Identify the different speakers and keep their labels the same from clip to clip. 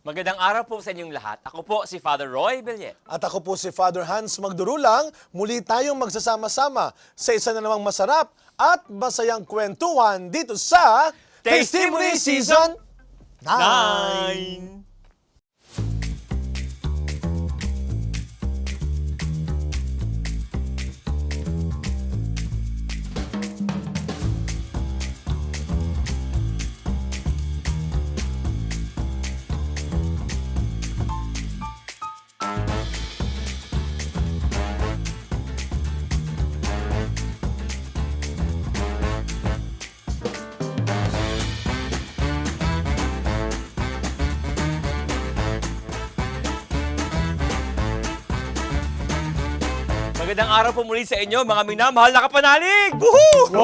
Speaker 1: Magandang araw po sa inyong lahat. Ako po si Father Roy Bellet.
Speaker 2: At ako po si Father Hans Magdurulang. Muli tayong magsasama-sama sa isa na namang masarap at masayang kwentuhan dito sa Testimony Season 9.
Speaker 1: Magandang araw po muli sa inyo, mga minamahal na kapanalig! Woohoo!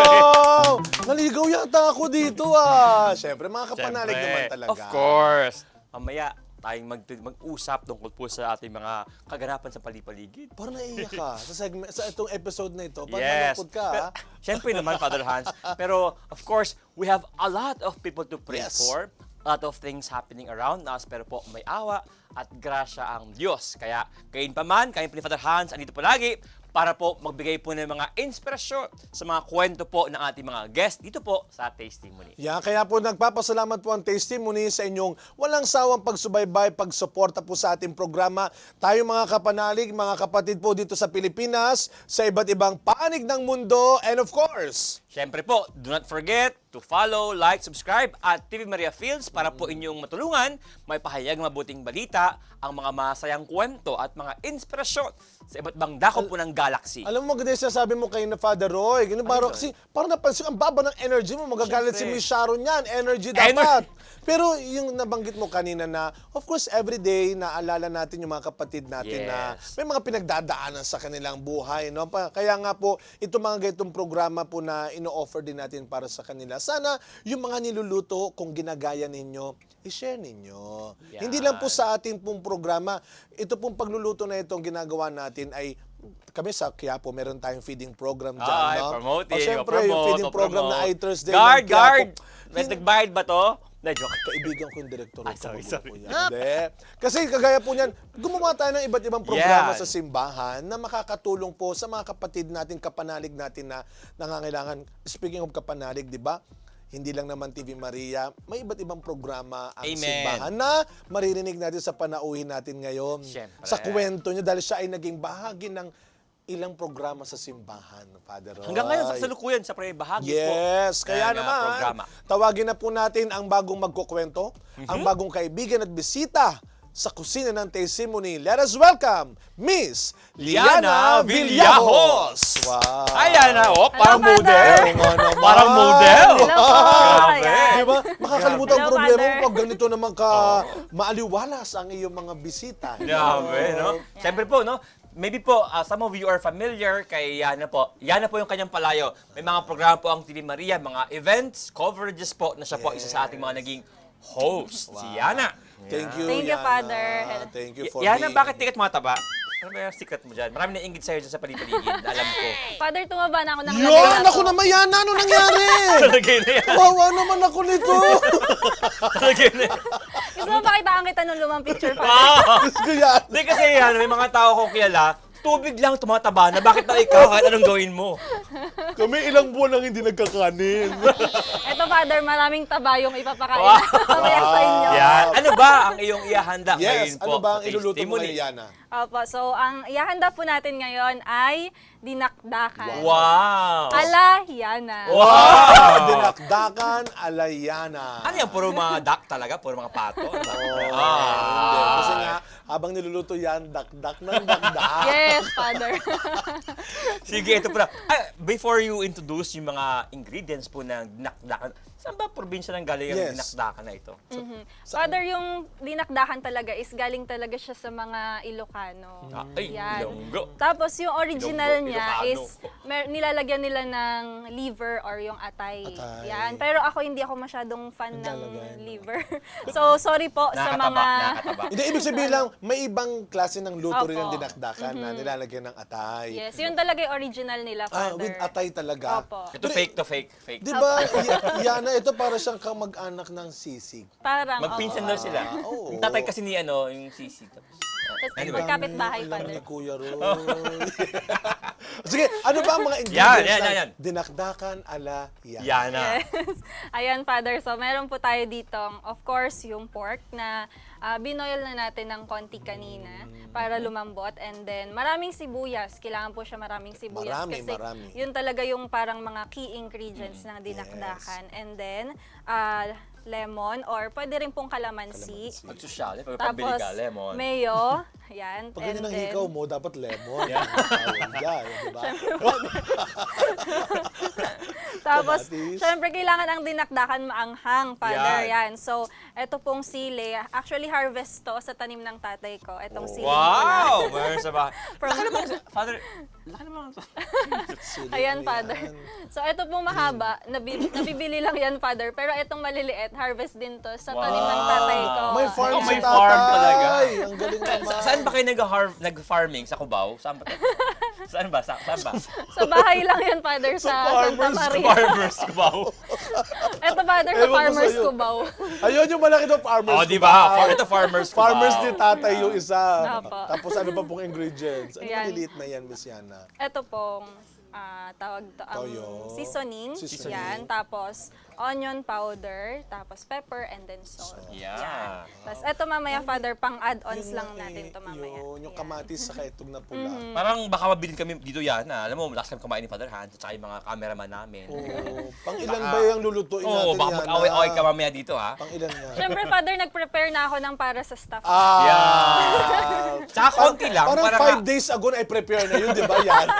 Speaker 2: Wow! Naligaw yata ako dito Siyempre, mga kapanalig
Speaker 1: Siyempre,
Speaker 2: naman talaga.
Speaker 1: Of course. Mamaya tayong mag-usap tungkol po sa ating mga kaganapan sa palipaligid.
Speaker 2: Parang naiiyak ka sa itong episode na ito. Parang
Speaker 1: Yes.
Speaker 2: nalungkot ka,
Speaker 1: Pero, syempre naman, Father Hans. Pero, of course, we have a lot of people to pray
Speaker 2: Yes.
Speaker 1: for. A lot of things happening around us. Pero po, may awa at grasya ang Diyos. Kaya, gayon pa man, kayo po ni Father Hans, andito palagi para po magbigay po ng mga inspirasyon sa mga kwento po ng ating mga guest dito po sa Testimony.
Speaker 2: Yeah, kaya po nagpapasalamat po ang Testimony sa inyong walang sawang pagsubaybay, pagsuporta po sa ating programa. Tayo mga kapanalig, mga kapatid po dito sa Pilipinas, sa iba't ibang panig ng mundo, and of course,
Speaker 1: Siyempre po, do not forget to follow, like, subscribe at TV Maria Fields para po inyong matulungan may pahayag mabuting balita, ang mga masayang kwento at mga inspirasyon sa iba't ibang dako po ng galaxy.
Speaker 2: alam mo, ganyan sinasabi mo kayo na Father Roy. Ganun, parang, kasi, parang napansin, ang baba ng energy mo. Magagalit si
Speaker 1: Siyempre.
Speaker 2: Miss Sharon yan. Energy dapat. Pero yung nabanggit mo kanina na, of course, everyday, naalala natin yung mga kapatid natin na
Speaker 1: Yes.
Speaker 2: may mga pinagdadaanan sa kanilang buhay. No? Kaya nga po, itong mga ganitong programa po na ino-offer din natin para sa kanila. Sana yung mga niluluto, kung ginagaya ninyo, i-share ninyo.
Speaker 1: Yan.
Speaker 2: Hindi lang po sa ating pong programa. Ito pong pagluluto na itong ginagawa natin ay kami sa Quiapo, meron tayong feeding program dyan,
Speaker 1: Ay,
Speaker 2: no?
Speaker 1: promoting,
Speaker 2: O, syempre, yung feeding program na iThursday.
Speaker 1: Guard,
Speaker 2: ng Quiapo.
Speaker 1: guard! May nagbayad ba to? Na joke.
Speaker 2: Kaibigan ko yung direktor.
Speaker 1: Ay, sorry, sorry.
Speaker 2: Hindi. Kasi kagaya po niyan, gumawa tayo ng iba't ibang programa
Speaker 1: Yan.
Speaker 2: sa simbahan na makakatulong po sa mga kapatid natin, kapanalig natin na nangangailangan. Speaking of kapanalig, di ba? Hindi lang naman TV Maria, may iba't ibang programa ang
Speaker 1: Amen.
Speaker 2: simbahan na maririnig natin sa panauhin natin ngayon.
Speaker 1: Siyempre.
Speaker 2: Sa kwento niya dahil siya ay naging bahagi ng ilang programa sa simbahan, Father Roy.
Speaker 1: Hanggang ngayon, sa kasalukuyan, sa bahagi po.
Speaker 2: Yes, kaya
Speaker 1: ng,
Speaker 2: naman,
Speaker 1: programa.
Speaker 2: tawagin na po natin ang bagong magkukwento, ang bagong kaibigan at bisita sa kusina ng Testimony. Let us welcome Miss
Speaker 1: Liana
Speaker 2: Liana
Speaker 1: Villajos.
Speaker 2: Villajos. Wow.
Speaker 1: Ayan na, parang
Speaker 3: Hello,
Speaker 1: model.
Speaker 3: Father.
Speaker 2: Oo nga naman.
Speaker 1: Parang model.
Speaker 3: Hello po.
Speaker 1: Grabe.
Speaker 3: Ayan.
Speaker 2: Di ba? Makakalimutan ang
Speaker 3: Hello,
Speaker 2: problema mo
Speaker 3: Father.
Speaker 2: pag ganito naman ka maaliwalas ang iyong mga bisita.
Speaker 1: Grabe, no? Siyempre po, no? Maybe po, some of you are familiar kay Yana po. Yana po yung kanyang palayo. May mga programa po ang TV Maria, mga events, coverages po na siya po isa sa ating mga naging host. Si Yana.
Speaker 2: Thank you,
Speaker 3: Thank you,
Speaker 2: Yana.
Speaker 3: Father.
Speaker 2: Thank you for
Speaker 1: Yana,
Speaker 2: being-
Speaker 1: bakit tikat mataba? Ano ba yung secret mo dyan? Marami na ingit sa'yo dyan sa palipaligid. Alam ko.
Speaker 3: Father, tumaba na ako ng
Speaker 2: Yun!
Speaker 3: labi
Speaker 2: Ako naman, Yana! Ano nangyari?
Speaker 1: Talagay na yan.
Speaker 2: Kawawa naman ako nito.
Speaker 1: Talagay na yan.
Speaker 3: Gusto mo pakitaan kita nung lumang picture, Father?
Speaker 1: Wow!
Speaker 2: Gusto ko yan.
Speaker 1: Hindi kasi yan, may mga tao kong kilala, tubig lang tumataba na bakit na ikaw kahit anong gawin mo?
Speaker 2: Kami ilang buwan nang hindi nagkakanin.
Speaker 3: Ito, Father, maraming taba yung ipapakain
Speaker 1: Wow.
Speaker 3: mamaya sa inyo.
Speaker 1: Yan. Ano ba ang iyong ihahanda
Speaker 2: Yes,
Speaker 1: ngayon po?
Speaker 2: ano ba ang
Speaker 1: sa
Speaker 2: iluluto mo
Speaker 1: Testimony?
Speaker 2: ngayon, Yana?
Speaker 3: Opo, so ang ihahanda po natin ngayon ay dinakdakan.
Speaker 1: Wow!
Speaker 3: Ala Yana.
Speaker 1: Wow!
Speaker 2: Dinakdakan alayana.
Speaker 1: Ano yan? Puro mga duck talaga? Puro mga pato?
Speaker 2: Oh,
Speaker 1: Ah.
Speaker 2: hindi. Kasi nga, habang niluluto yan, dakdak ng dakdak.
Speaker 3: Yes, Father.
Speaker 1: Sige, ito pala. Before you introduce yung mga ingredients po ng dinakdakan, saan ba probinsya ng galing ang
Speaker 2: Yes.
Speaker 1: dinakdakan na ito?
Speaker 3: Father, yung dinakdakan talaga is galing talaga siya sa mga Ilocano. Ilocano.
Speaker 1: Ay,
Speaker 3: Yan.
Speaker 1: Ilonggo.
Speaker 3: Tapos yung original
Speaker 1: Ilonggo,
Speaker 3: niya
Speaker 1: Ilocano.
Speaker 3: is nilalagyan nila ng liver or yung atay.
Speaker 2: Atay.
Speaker 3: Yan. Pero ako hindi ako masyadong fan ng
Speaker 2: Naglalagay, no?
Speaker 3: liver. So sorry po sa
Speaker 1: Nakakataba,
Speaker 3: mga
Speaker 1: nakakataba.
Speaker 2: Hindi, ibig sabihin lang, may ibang klase ng luto rin ang
Speaker 3: Opo.
Speaker 2: dinakdakan na nilalagyan ng atay.
Speaker 3: Yes, yun talaga yung original nila, Father.
Speaker 2: With atay talaga.
Speaker 3: Opo.
Speaker 1: Ito fake to fake. Fake.
Speaker 2: Di ba, Yana, ito para siyang kamag-anak ng sisig.
Speaker 3: Parang,
Speaker 1: Magpinsan daw sila.
Speaker 2: oo.
Speaker 1: Yung tatay kasi ni ano, yung sisi. Tapos,
Speaker 3: Tapos
Speaker 1: Anyway.
Speaker 3: magkapit bahay,
Speaker 2: Alam
Speaker 3: Father.
Speaker 2: ni Kuya Roy. Sige, ano ba ang mga ingredients
Speaker 1: Yan.
Speaker 2: ng dinakdakan ala Yana?
Speaker 1: Yana.
Speaker 3: Yes. Ayan, Father. So, meron po tayo ditong, of course, yung pork na binoil na natin ng konti kanina para lumambot. And then, maraming sibuyas. Kailangan po siya maraming sibuyas.
Speaker 2: Marami,
Speaker 3: kasi
Speaker 2: marami.
Speaker 3: yun talaga yung parang mga key ingredients ng dinakdakan. And then, lemon or pwede rin pong kalamansi.
Speaker 1: Magsusyal. Pagpabili
Speaker 3: Tapos,
Speaker 1: ka, lemon.
Speaker 3: mayo. Yan.
Speaker 2: Pag ganyan ang
Speaker 3: then,
Speaker 2: hikaw mo, dapat lemon.
Speaker 1: Yeah.
Speaker 2: Yan, di ba?
Speaker 3: Tapos,
Speaker 2: Kamatis.
Speaker 3: syempre, kailangan ang dinakdakan maanghang, Father.
Speaker 1: Yan.
Speaker 3: Yan. So, eto pong sili. Actually, harvest to sa tanim ng tatay ko. Etong sili.
Speaker 1: Wow! Meron sa bahay.
Speaker 3: From-
Speaker 1: Laki naman, Father. Laki naman.
Speaker 2: Sili
Speaker 3: Ayan,
Speaker 2: yan.
Speaker 3: Father. So, eto pong mahaba. Nabibili lang yan, Father. Pero etong maliliit, harvest din to sa tanim ng
Speaker 1: Wow.
Speaker 3: tatay ko.
Speaker 2: May farm
Speaker 1: Oh,
Speaker 2: si
Speaker 1: may
Speaker 2: tatay.
Speaker 1: farm talaga.
Speaker 2: Ang galing naman.
Speaker 1: Saan ba kayo nag-farming? Sa Cubao? Saan ba? Saan ba? Saan ba?
Speaker 3: Sa bahay lang yan, Father, sa Santa
Speaker 2: farmers,
Speaker 3: Maria.
Speaker 1: Farmers Cubao.
Speaker 3: Eto, Father, sa
Speaker 2: Ewan ko
Speaker 3: Farmers
Speaker 2: sa'yo.
Speaker 3: Cubao.
Speaker 2: Ayun yung malaki ng farmers.
Speaker 1: Oh, di ba? Ito Farmers Cubao.
Speaker 2: Farmers ni tatay yung isa.
Speaker 3: Opo.
Speaker 2: Tapos ano pa pong ingredients? Ano
Speaker 3: Ayan.
Speaker 2: maliliit na yan, Miss Yana?
Speaker 3: Ito pong tawag to,
Speaker 2: Toyo.
Speaker 3: seasoning.
Speaker 2: Seasoning.
Speaker 3: Yan. Tapos, onion powder. Tapos, pepper and then salt.
Speaker 1: Yeah.
Speaker 3: Tapos, ito mamaya, Father, pang add-ons
Speaker 2: Yun
Speaker 3: lang
Speaker 2: nga
Speaker 3: natin
Speaker 2: eh,
Speaker 3: to mamaya.
Speaker 2: Yung
Speaker 3: Yan.
Speaker 2: kamatis sa itong na pula.
Speaker 1: Parang baka mabilin kami dito yan. Alam mo, last time kumain ni Father Hans at saka yung mga cameraman namin.
Speaker 2: Oo. Pang ilan
Speaker 1: Baka-
Speaker 2: ba yung lulutuin natin,
Speaker 1: Oo, baka
Speaker 2: Yana?
Speaker 1: mag-away-away ka mamaya dito, ha?
Speaker 2: Pang ilan yan?
Speaker 3: Siyempre, Father, nag-prepare na ako ng para sa staff.
Speaker 1: Yeah. Tsaka konti lang.
Speaker 2: Parang
Speaker 1: parang
Speaker 2: 5 days ago na i-prepare na yun, di ba, Yana?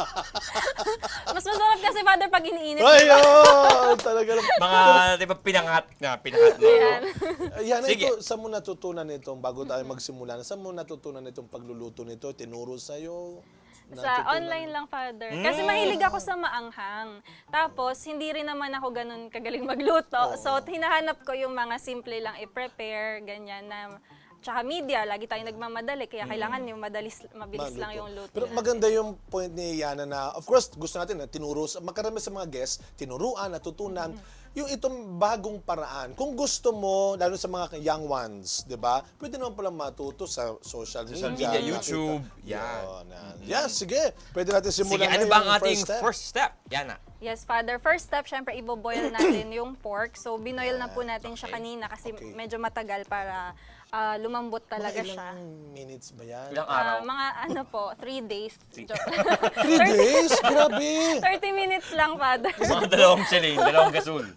Speaker 3: Mas masarap kasi, Father, pag iniinit.
Speaker 2: Ayun! Talaga lang.
Speaker 1: mga, di ba, pinangat mo.
Speaker 3: Yan.
Speaker 2: Yana,
Speaker 1: Sige.
Speaker 2: ito, saan mo natutunan itong, bago tayo magsimula, saan mo natutunan itong pagluluto nito? Tinuro sa'yo?
Speaker 3: Sa
Speaker 2: Natutunan?
Speaker 3: online lang, Father. Kasi mahilig ako sa maanghang. Tapos, hindi rin naman ako ganun kagaling magluto. So, hinahanap ko yung mga simple lang i-prepare, ganyan na. Tsaka media, lagi tayong nagmamadali. Kaya kailangan yung mabilis lang yung luto.
Speaker 2: Pero
Speaker 3: natin.
Speaker 2: maganda yung point ni Yana na, of course, gusto natin na tinuro, makarami sa mga guests, tinuruan, natutunan, yung itong bagong paraan. Kung gusto mo, lalo sa mga young ones, di ba? Pwede naman palang matuto sa social media.
Speaker 1: media, YouTube,
Speaker 2: Yan. Yan, sige. Pwede natin simulan
Speaker 1: Sige, ano
Speaker 2: ngayon
Speaker 1: ba ang
Speaker 2: yung
Speaker 1: ating
Speaker 2: step.
Speaker 1: first step? Yana.
Speaker 3: Yes, Father. First step, syempre, iboboil natin yung pork. So, binoil na po natin siya kanina kasi
Speaker 2: Okay.
Speaker 3: medyo matagal para lumambot talaga
Speaker 2: Mga
Speaker 3: siya.
Speaker 2: ilang minutes ba yan?
Speaker 1: Ilang araw?
Speaker 3: Mga ano po, 3 days. Joke.
Speaker 2: 3 days? Grabe!
Speaker 3: 30 minutes lang, Father.
Speaker 1: Mga dalawang chaling, dalawang gasol.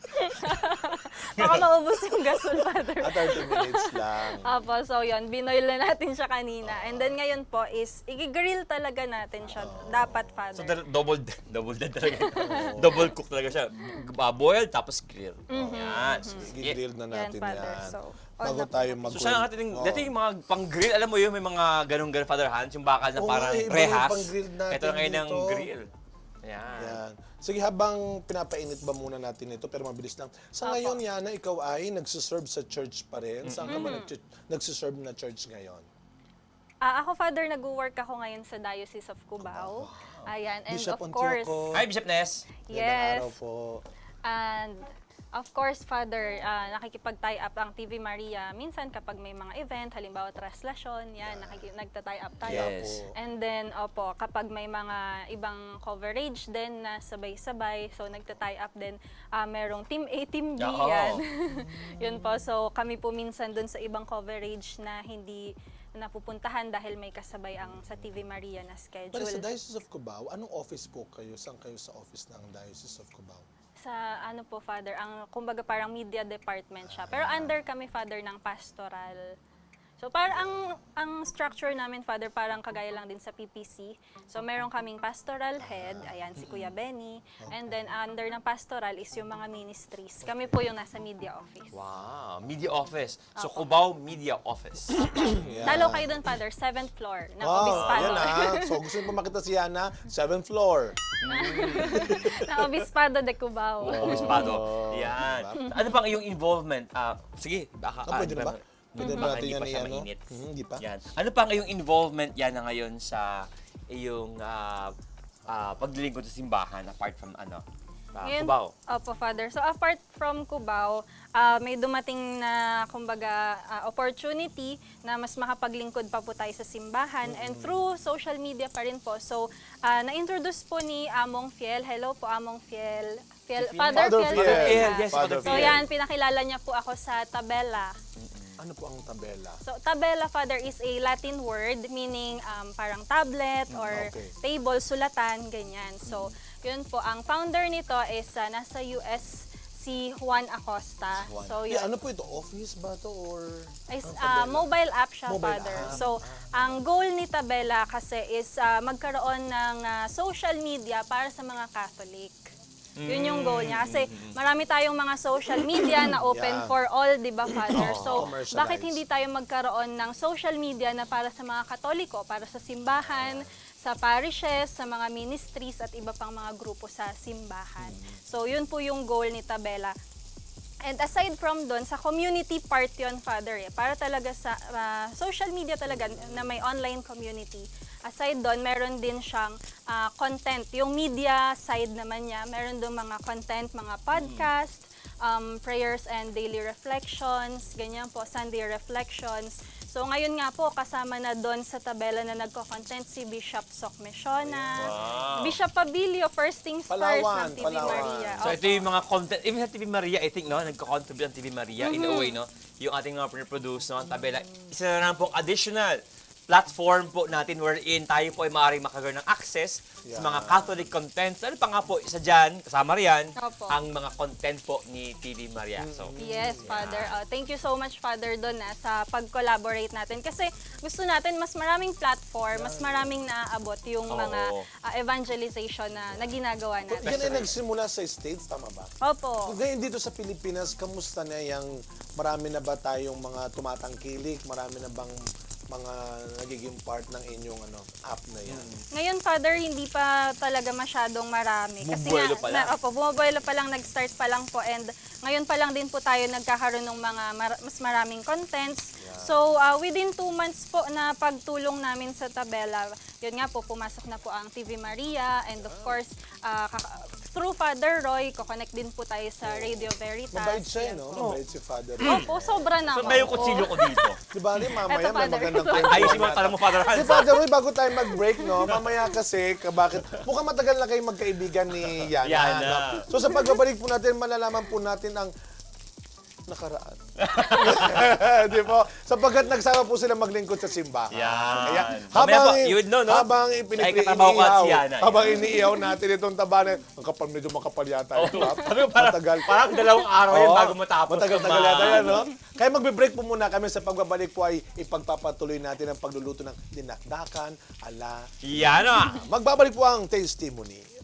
Speaker 3: Baka maubos yung gasol, Father.
Speaker 2: 30 minutes lang.
Speaker 3: Apo, so yun, binoil na natin siya kanina. And then ngayon po is, i-grill talaga natin siya. Dapat,
Speaker 1: So,
Speaker 3: Father.
Speaker 1: double dead talaga. Double cook talaga siya. Boil, tapos grill. Yan. Sige.
Speaker 2: I-grill na
Speaker 3: Yan,
Speaker 2: natin
Speaker 3: Father.
Speaker 2: yan.
Speaker 3: So, on
Speaker 2: Bago
Speaker 3: na po
Speaker 2: tayo
Speaker 3: natin.
Speaker 2: mag-
Speaker 1: So, saan natin, dati yung mga pang-grill, alam mo yun, may mga ganun-ganun, Father Hans, yung bakal na
Speaker 2: Oo,
Speaker 1: parang
Speaker 2: iba yung
Speaker 1: rehas.
Speaker 2: pang-grill natin
Speaker 1: Ito na ngayon ng
Speaker 2: dito.
Speaker 1: grill. Yan.
Speaker 2: Yan. Sige, habang pinapainit ba muna natin ito, pero mabilis lang. Sa ngayon, Yana, ikaw ay nagsiserve sa church pa rin. Saan ka ba nagsiserve na church ngayon?
Speaker 3: Ako, Father, nag-work ako ngayon sa Diocese of Cubao. Ayan, and
Speaker 2: Bishop
Speaker 3: of course,
Speaker 2: Antioco.
Speaker 1: Hi, Bishop Ness.
Speaker 2: Magandang
Speaker 3: yes,
Speaker 2: araw po.
Speaker 3: and of course, Father, nakikipag-tie up ang TV Maria. Minsan kapag may mga event, halimbawa traslasyon, yan, nagta-tie up tayo.
Speaker 1: Yes.
Speaker 3: And then, opo, kapag may mga ibang coverage din na sabay-sabay, so nagta-tie up din, merong Team A, Team B,
Speaker 1: Oo.
Speaker 3: yan. Yun po, so kami po minsan dun sa ibang coverage na hindi napupuntahan dahil may kasabay ang sa TV Maria na schedule.
Speaker 2: Pero sa Diocese of Cubao, anong office po kayo? Saan kayo sa office ng Diocese of Cubao?
Speaker 3: Sa ano po, Father, ang kumbaga parang media department siya. Pero under kami, Father, ng pastoral. So parang ang structure namin, Father, parang kagaya lang din sa PPC. So meron kaming pastoral head, ayan si Kuya Benny, and then under ng pastoral is yung mga ministries. Kami po yung nasa media office.
Speaker 1: Wow, media office. So, Cubao Media Office.
Speaker 3: Dalo kayo dun, Father, 7th floor ng
Speaker 2: Wow,
Speaker 3: Obispado.
Speaker 2: yan So gusto niyo pa makita si Yana, 7th floor.
Speaker 3: ng Obispado de Cubao.
Speaker 1: Obispado.
Speaker 2: Oh,
Speaker 1: Yan.
Speaker 2: diba?
Speaker 1: Ano pang iyong involvement? Sige, baka...
Speaker 2: Pwede na ba? Pwede
Speaker 1: Baka
Speaker 2: natin
Speaker 1: hindi
Speaker 2: yan
Speaker 1: pa siya
Speaker 2: i-ano?
Speaker 1: mainit.
Speaker 2: Hindi pa.
Speaker 1: Yan. Ano pang iyong involvement yan na ngayon sa iyong paglilingkod sa simbahan apart from
Speaker 3: Ngayon,
Speaker 1: Cubao?
Speaker 3: Opo, Father. So apart from Cubao, may dumating na kumbaga opportunity na mas makapaglingkod pa po tayo sa simbahan and through social media pa rin po. So na-introduce po ni Among Fiel. Hello po, Among Fiel. Father
Speaker 2: Father
Speaker 3: Fiel.
Speaker 2: Fiel.
Speaker 3: Fiel.
Speaker 1: Yes,
Speaker 2: Father
Speaker 1: Father
Speaker 3: So
Speaker 1: Fiel.
Speaker 3: yan, pinakilala niya po ako sa tabela.
Speaker 2: Ano po ang tabela?
Speaker 3: So, tabela, Father, is a Latin word meaning parang tablet or
Speaker 2: Okay.
Speaker 3: table, sulatan, ganyan. So, yun po. Ang founder nito is nasa US, si Juan Acosta. So, yun.
Speaker 2: Ano po ito? Office ba to or...
Speaker 3: Is
Speaker 2: ang tabela?
Speaker 3: mobile app siya,
Speaker 2: Mobile
Speaker 3: Father.
Speaker 2: app.
Speaker 3: So, ang goal ni Tabela kasi is magkaroon ng social media para sa mga Catholic. Yun yung goal niya. Kasi marami tayong mga social media na open
Speaker 2: Yeah.
Speaker 3: for all, di ba, Father? So,
Speaker 2: Commercialized.
Speaker 3: bakit hindi tayo magkaroon ng social media na para sa mga Katoliko, para sa simbahan, sa parishes, sa mga ministries, at iba pang mga grupo sa simbahan. So, yun po yung goal ni Tabela. And aside from doon, sa community part yun, Father, para talaga sa social media talaga na may online community. Aside doon, meron din siyang content. Yung media side naman niya, meron doon mga content, mga podcast, prayers and daily reflections, ganyan po, Sunday reflections. So ngayon nga po, kasama na doon sa tabela na nagko-content si Bishop Sok Mesiona,
Speaker 1: Wow.
Speaker 3: Bishop Pabilio, First Things
Speaker 2: Palawan,
Speaker 3: First ng TV
Speaker 2: Palawan.
Speaker 3: Maria.
Speaker 1: So, ito yung mga content, even sa TV Maria, I think, no, nagko-contribute ang TV Maria in a
Speaker 3: Mm-hmm.
Speaker 1: way, no? Yung ating mga produce, no, ang tabela. Isa na lang po additional platform po natin wherein tayo po ay maaaring makagawa ng access sa mga Catholic contents. Ano pa nga po, isa dyan, kasama riyan,
Speaker 3: Opo.
Speaker 1: ang mga content po ni TV Maria. So,
Speaker 3: Yes, Father. Thank you so much, Father, doon sa pag-collaborate natin. Kasi gusto natin mas maraming platform, mas maraming naaabot yung
Speaker 1: Oo.
Speaker 3: mga evangelization na ginagawa natin.
Speaker 2: Yan ay nagsimula sa States, tama ba?
Speaker 3: Opo.
Speaker 2: Ngayon dito sa Pilipinas, kamusta na yung marami na ba tayong mga tumatangkilik? Marami na bang mga nagiging part ng inyong app na yan?
Speaker 3: Ngayon, Father, hindi pa talaga masyadong marami. Kasi
Speaker 1: Bumubuelo pa lang.
Speaker 3: bumubuelo pa lang, nag-start pa lang po. And ngayon pa lang din po tayo nagkakaroon ng mga mas maraming contents. So, within 2 months po na pagtulong namin sa tabela, yun nga po, pumasok na po ang TV Maria. And of course, through Father Roy, ko-connect din po tayo sa Radio Veritas.
Speaker 2: Mabait siya,
Speaker 3: Yan
Speaker 2: no?
Speaker 3: po.
Speaker 2: Mabait si Father.
Speaker 3: Opo, sobra na.
Speaker 1: so may yung kutsilyo ko dito.
Speaker 2: Di ba, mamaya
Speaker 3: Eto,
Speaker 2: may
Speaker 3: Father.
Speaker 2: magandang kwento.
Speaker 1: Ayusin mo ang tanong mo, Father Hans.
Speaker 2: Si Father Roy, bago tayo mag-break, no? Mamaya kasi, bakit? Mukhang matagal na kayong magkaibigan ni Yana.
Speaker 1: Yana.
Speaker 2: No? So sa pagbabalik po natin, malalaman po natin ang nakaraan. Di po? Sapagkat nagsama po sila maglingkod sa simbahan.
Speaker 1: Yan.
Speaker 2: Kaya,
Speaker 1: Mamaya po, you would know, no?
Speaker 2: habang
Speaker 1: Ay, katabaw ko at si Yana.
Speaker 2: habang iniihaw natin itong tabanan, ang kapal, medyo makapal yata. ito, ha? Matagal.
Speaker 1: Parang 2 araw yan
Speaker 2: Oo,
Speaker 1: bago matapos.
Speaker 2: Matagal-tagal yata yan, no? Kaya magbe-break po muna kami. Sa pagbabalik po ay ipagpapatuloy natin ang pagluluto ng dinakdakan ala.
Speaker 1: Yan ah.
Speaker 2: Magbabalik po ang testimony.